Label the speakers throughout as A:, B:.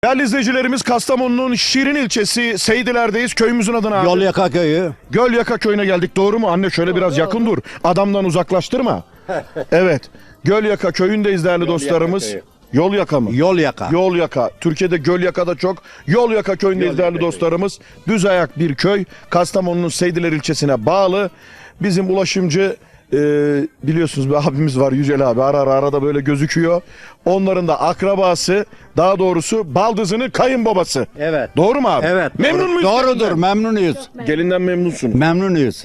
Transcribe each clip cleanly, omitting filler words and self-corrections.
A: Değerli izleyicilerimiz, Kastamonu'nun Şirin ilçesi Seydiler'deyiz. Köyümüzün adına abi.
B: Yolyaka köyü.
A: Gölyaka köyüne geldik, doğru mu? Anne şöyle biraz yakın dur. Adamdan uzaklaştırma. Evet. Gölyaka köyündeyiz değerli dostlarımız.
B: köyü.
A: Yolyaka mı?
B: Yolyaka.
A: Yolyaka. Türkiye'de Gölyaka'da çok. Yolyaka köyündeyiz değerli dostlarımız. Düz ayak bir köy. Kastamonu'nun Seydiler ilçesine bağlı. Bizim ulaşımcı biliyorsunuz bir abimiz var, Yücel abi. Arada böyle gözüküyor. Onların da akrabası, daha doğrusu baldızının kayınbabası.
B: Evet.
A: Doğru mu abi?
B: Evet.
A: Memnun muyuz?
B: Doğrudur.
A: gelinden?
B: Memnunuyuz.
A: Gelinden memnunsun.
B: Memnunuyuz.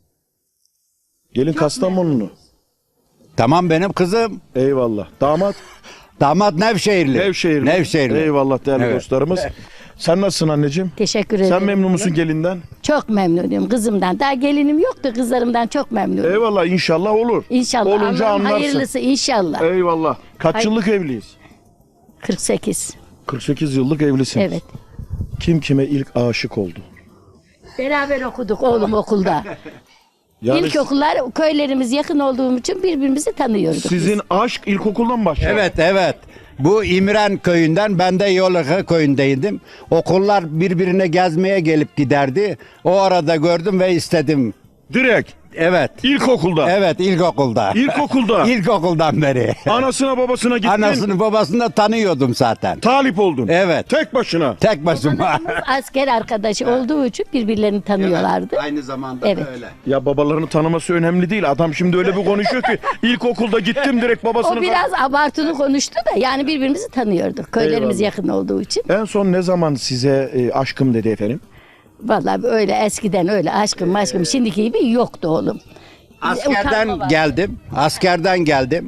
A: Gelin Kastamonulu.
B: Tamam benim kızım.
A: Eyvallah. Damat
B: Damat Nevşehirli.
A: Nevşehirli.
B: Nevşehirli.
A: Eyvallah değerli
B: Evet.
A: dostlarımız. Sen nasılsın anneciğim?
C: Teşekkür ederim.
A: Sen memnun musun gelinden?
C: Çok memnunum kızımdan. Daha gelinim yoktu, kızlarımdan çok memnunum.
A: Eyvallah, inşallah olur.
C: İnşallah.
A: Olunca
C: Allah'ın
A: anlarsın.
C: hayırlısı inşallah.
A: Eyvallah. Kaç
C: Hay-
A: yıllık evliyiz?
C: 48.
A: 48 yıllık evlisiniz.
C: Evet.
A: Kim kime ilk aşık oldu?
C: Beraber okuduk oğlum okulda.
A: Yani
C: İlkokullar köylerimiz yakın olduğum için birbirimizi tanıyorduk.
A: sizin aşk ilkokuldan mı başladı?
B: Evet, evet. Bu İmren köyünden, ben de Yolyaka köyündeydim. Okullar birbirine gezmeye gelip giderdi. O arada gördüm ve istedim.
A: Direkt
B: Evet.
A: ilkokulda.
B: Evet, ilkokulda.
A: İlkokulda.
B: İlkokuldan beri.
A: Anasına babasına gittin.
B: Anasını babasını da tanıyordum zaten.
A: Talip oldun.
B: Evet.
A: Tek başına.
B: Tek başıma.
C: Asker arkadaşı olduğu için birbirlerini tanıyorlardı.
B: Aynı zamanda
C: Evet.
B: öyle.
A: Ya babalarını tanıması önemli değil. Adam şimdi öyle bir konuşuyor ki ilkokulda gittim direkt babasını.
C: O biraz abartılı konuştu da yani birbirimizi tanıyorduk. Köylerimiz
A: Eyvallah.
C: yakın olduğu için.
A: En son ne zaman size aşkım dedi efendim?
C: Vallahi öyle eskiden öyle aşkım şimdiki gibi yoktu oğlum. Utanma
B: Askerden
C: var.
B: geldim. Askerden geldim.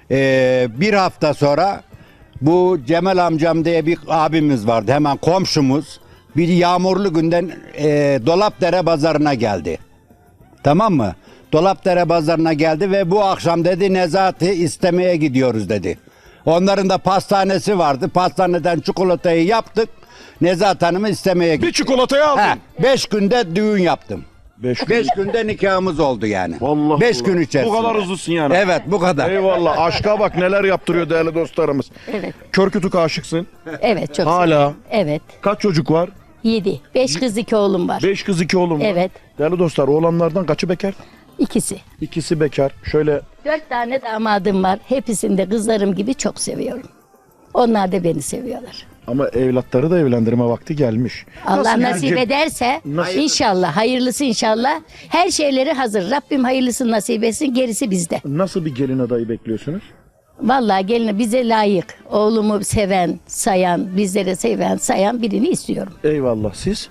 B: Bir hafta sonra bu Cemal amcam diye bir abimiz vardı. Hemen komşumuz. Bir yağmurlu günden Dolapdere pazarına geldi. Tamam mı? Dolapdere pazarına geldi ve bu akşam dedi Nezat'ı istemeye gidiyoruz dedi. Onların da pastanesi vardı. Pastaneden çikolatayı yaptık. Nezat Hanım'ı istemeye
A: Bir
B: gittik.
A: çikolatayı aldın.
B: 5 günde düğün yaptım.
A: 5
B: 5 günde nikahımız oldu yani.
A: Vallahi
B: 5
A: Allah.
B: gün içerisinde.
A: Bu kadar hızlısın yani.
B: Evet, bu kadar.
A: Eyvallah. Aşka bak neler yaptırıyor değerli dostlarımız.
C: Evet.
A: Kör kütük aşıksın.
C: Evet çok
A: Hala.
C: seviyorum. Evet.
A: Kaç çocuk var?
C: 7. 5 kız 2 oğlum var.
A: 5 kız 2 oğlum var.
C: Evet.
A: Değerli dostlar, oğlanlardan kaçı bekar?
C: İkisi.
A: İkisi bekar. Şöyle
C: 4 tane damadım var. Hepsini de kızlarım gibi çok seviyorum. Onlar da beni seviyorlar.
A: ama evlatları da evlendirme vakti gelmiş.
C: Allah
A: Nasıl
C: nasip
A: gelecek?
C: ederse
A: Nasıl?
C: inşallah hayırlısı inşallah. Her şeyleri hazır. Rabbim hayırlısını nasip etsin. Gerisi bizde.
A: Nasıl bir gelin adayı bekliyorsunuz?
C: Vallahi gelin bize layık. Oğlumu seven, sayan, bizleri seven, sayan birini istiyorum.
A: Eyvallah. Siz?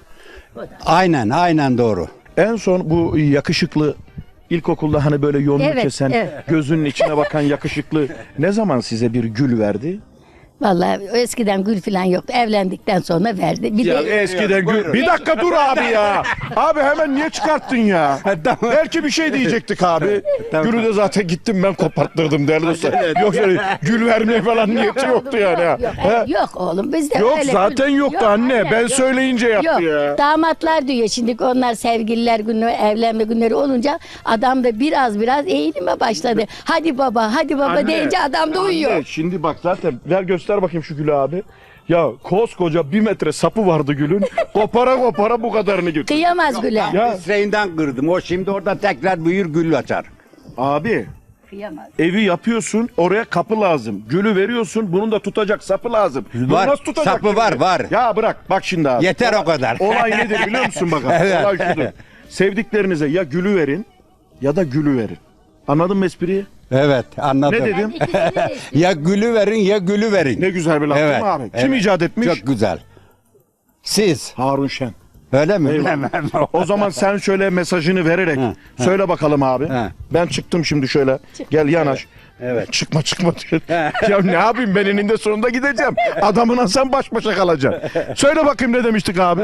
B: Aynen doğru.
A: En son bu yakışıklı ilkokulda hani böyle yolunu
C: Evet,
A: kesen,
C: evet.
A: gözünün içine bakan yakışıklı ne zaman size bir gül verdi?
C: Vallahi eskiden gül falan yoktu. Evlendikten sonra verdi. Bir de
A: Eskiden gül. Bir dakika dur abi ya. Abi hemen niye çıkarttın ya?
B: Tamam.
A: Belki bir şey diyecektik abi.
B: Tamam.
A: Gülü de zaten gittim ben koparttırdım değerli dostlar. Yoksa gül vermeye falan niyeti yoktu yani. ha.
C: Yok,
A: He?
C: yok oğlum bizde
A: Yok
C: öyle
A: zaten
C: gül-
A: yoktu anne.
C: anne,
A: Ben
C: yok.
A: söyleyince yaptı
C: Yok.
A: ya.
C: Damatlar diyor şimdi onlar sevgililer günü, evlenme günleri olunca adam da biraz eğilime başladı. Hadi baba
A: Anne,
C: deyince adam da uyuyor.
A: Anne, şimdi bak zaten ver göster bakayım şu gülü abi. Ya koskoca 1 metre sapı vardı gülün. Kopara bu kadarını götür.
C: Kıyamaz güle.
A: Ya
B: Reyinden kırdım. O şimdi orada tekrar büyür gül açar.
A: abi
C: Kıyamaz.
A: evi yapıyorsun oraya kapı lazım. Gülü veriyorsun bunun da tutacak sapı lazım. Bunu
B: Var,
A: nasıl tutacak
B: sapı
A: şimdi?
B: var.
A: Ya bırak bak şimdi abi.
B: Yeter o kadar.
A: Olay nedir biliyor musun bakalım?
B: Evet.
A: Olay şudur. Sevdiklerinize ya gülü verin ya da gülü verin. Anladın mı espriyi?
B: Evet, anladım.
A: Ne dedim?
C: İkisini de
B: Ya gülü verin ya gülü verin.
A: Ne güzel bir laf değil
B: Evet,
A: mi abi? Kim
B: evet.
A: icat etmiş?
B: Çok güzel. Siz.
A: Harun Şen.
B: Öyle mi?
A: Eyvallah.
B: Bilemem.
A: O zaman sen şöyle mesajını vererek söyle bakalım abi.
B: He.
A: Ben çıktım şimdi şöyle. Gel yanaş.
B: Evet.
A: Çıkma diyor. Ya ne yapayım ben eninde sonunda gideceğim. Adamına sen baş başa kalacaksın. Söyle bakayım ne demiştik abi?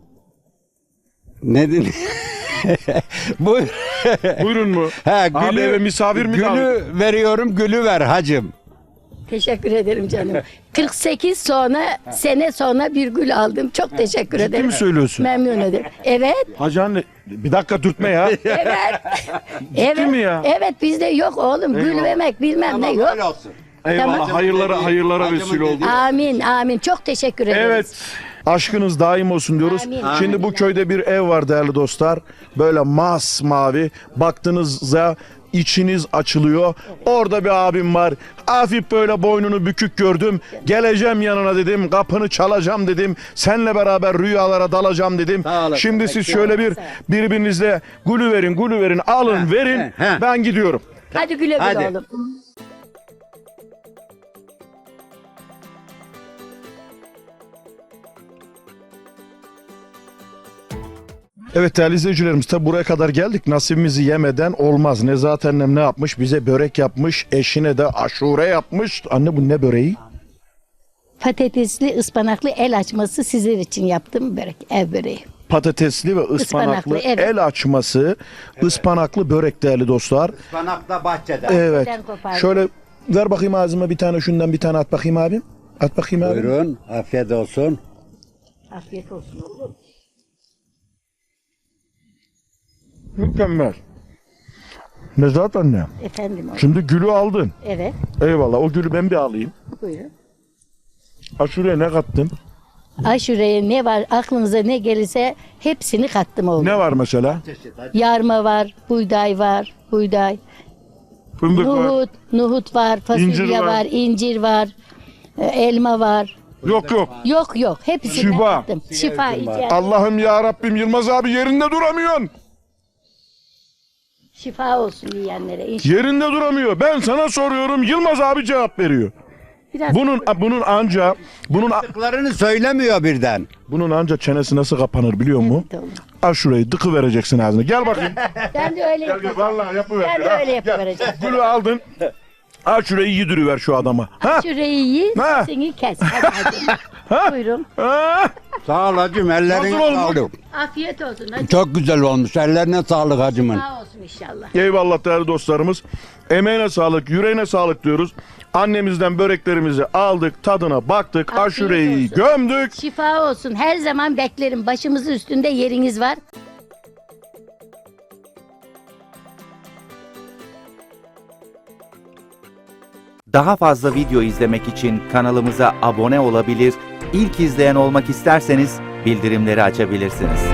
B: Ne dedin? Buyur.
A: Buyurun mu?
B: He,
A: Abi eve misafir mi davet-
B: Gülü veriyorum, gülü ver hacım.
C: Teşekkür ederim canım. 48 sene sonra bir gül aldım. Çok teşekkür
A: Ciddi
C: ederim.
A: mi söylüyorsun?
C: Memnun ederim. Evet.
A: Hacı anne bir dakika dürtme ya.
C: Evet. evet.
A: mi ya?
C: Evet bizde yok oğlum. Gül
A: Eyvallah.
C: vermek bilmem ne yok.
B: olsun.
A: Eyvallah.
C: Tamam.
A: Hayırlara
B: Hacımın
A: vesile oldu.
B: dediği-
C: Amin amin. Çok teşekkür ederiz.
A: Evet. Aşkınız daim olsun diyoruz.
C: Amin.
A: Şimdi
C: Amin.
A: bu köyde bir ev var değerli dostlar. Böyle masmavi. Baktığınızda içiniz açılıyor. Orada bir abim var. Hafif böyle boynunu bükük gördüm. Geleceğim yanına dedim. Kapını çalacağım dedim. Seninle beraber rüyalara dalacağım dedim.
B: Sağ olasın.
A: Şimdi siz şöyle bir birbirinizle gülü verin, alın, verin.
B: he.
A: Ben gidiyorum.
C: Hadi güle güle
B: Hadi.
C: oğlum.
A: Evet değerli izleyicilerimiz, tabi buraya kadar geldik, nasibimizi yemeden olmaz. Nezahat annem ne yapmış? Bize börek yapmış, eşine de aşure yapmış. Anne bu ne böreği?
C: Patatesli ıspanaklı el açması sizler için yaptım börek, ev böreği.
A: Patatesli ve ıspanaklı
C: Ispanaklı, evet.
A: el açması, ıspanaklı börek değerli dostlar.
B: Ispanakta bahçede.
A: Evet.
C: Ben kopardım.
A: Şöyle ver bakayım ağzıma bir tane şundan bir tane at bakayım abim. At bakayım abim.
B: Buyurun. Afiyet olsun.
C: Afiyet olsun oğlum.
A: Mükemmel. Nezahat anne.
C: Efendim oğlum.
A: Şimdi gülü aldın.
C: Evet,
A: Eyvallah, o gülü ben bir alayım.
C: buyurun.
A: Aşureye ne kattın?
C: Aşureye ne var, aklınıza ne gelirse hepsini kattım oğlum.
A: Ne var mesela?
C: Yarma var, buğday var, buğday.
A: Fındık var.
C: Nohut var, fasulye
A: İncir var.
C: var, incir var, elma var.
A: Yok.
C: Yok, hepsini
A: Şifa.
C: kattım. Şifa ihtiyacı.
A: Allah'ım ya Rabbim, Yılmaz abi yerinde duramıyorsun.
C: Şifa olsun yiyenlere inşallah.
A: Yerinde duramıyor. Ben sana soruyorum, Yılmaz abi cevap veriyor.
C: Biraz
B: Tıklarını söylemiyor birden.
A: bunun anca çenesi nasıl kapanır biliyor musun?
C: Evet oğlum.
A: Al şurayı dıkı vereceksin ağzına. Gel bakayım.
C: Ben de öyle yapacağım.
A: Vallahi yapıver.
C: Ben de öyle yapıvereceğim.
A: Gülü aldın. Al şurayı yediriver şu adama. Ha?
C: Şurayı yiyin,
A: Ha.
C: seni kes. Hadi. Buyurun.
A: Ha?
B: Sağ ol hacım. Ellerine
A: Nasıl olmuş?
B: sağlık.
C: Afiyet olsun. Hadi.
B: Çok güzel olmuş. Ellerine sağlık hacımın.
C: Sağ olsun inşallah.
A: Eyvallah değerli dostlarımız. Emeğine sağlık, yüreğine sağlık diyoruz. Annemizden böreklerimizi aldık, tadına baktık,
C: Afiyet
A: aşureyi
C: olsun.
A: gömdük.
C: Şifa olsun. Her zaman beklerim. Başımızın üstünde yeriniz var.
D: Daha fazla video izlemek için kanalımıza abone olabilir, ilk izleyen olmak isterseniz bildirimleri açabilirsiniz.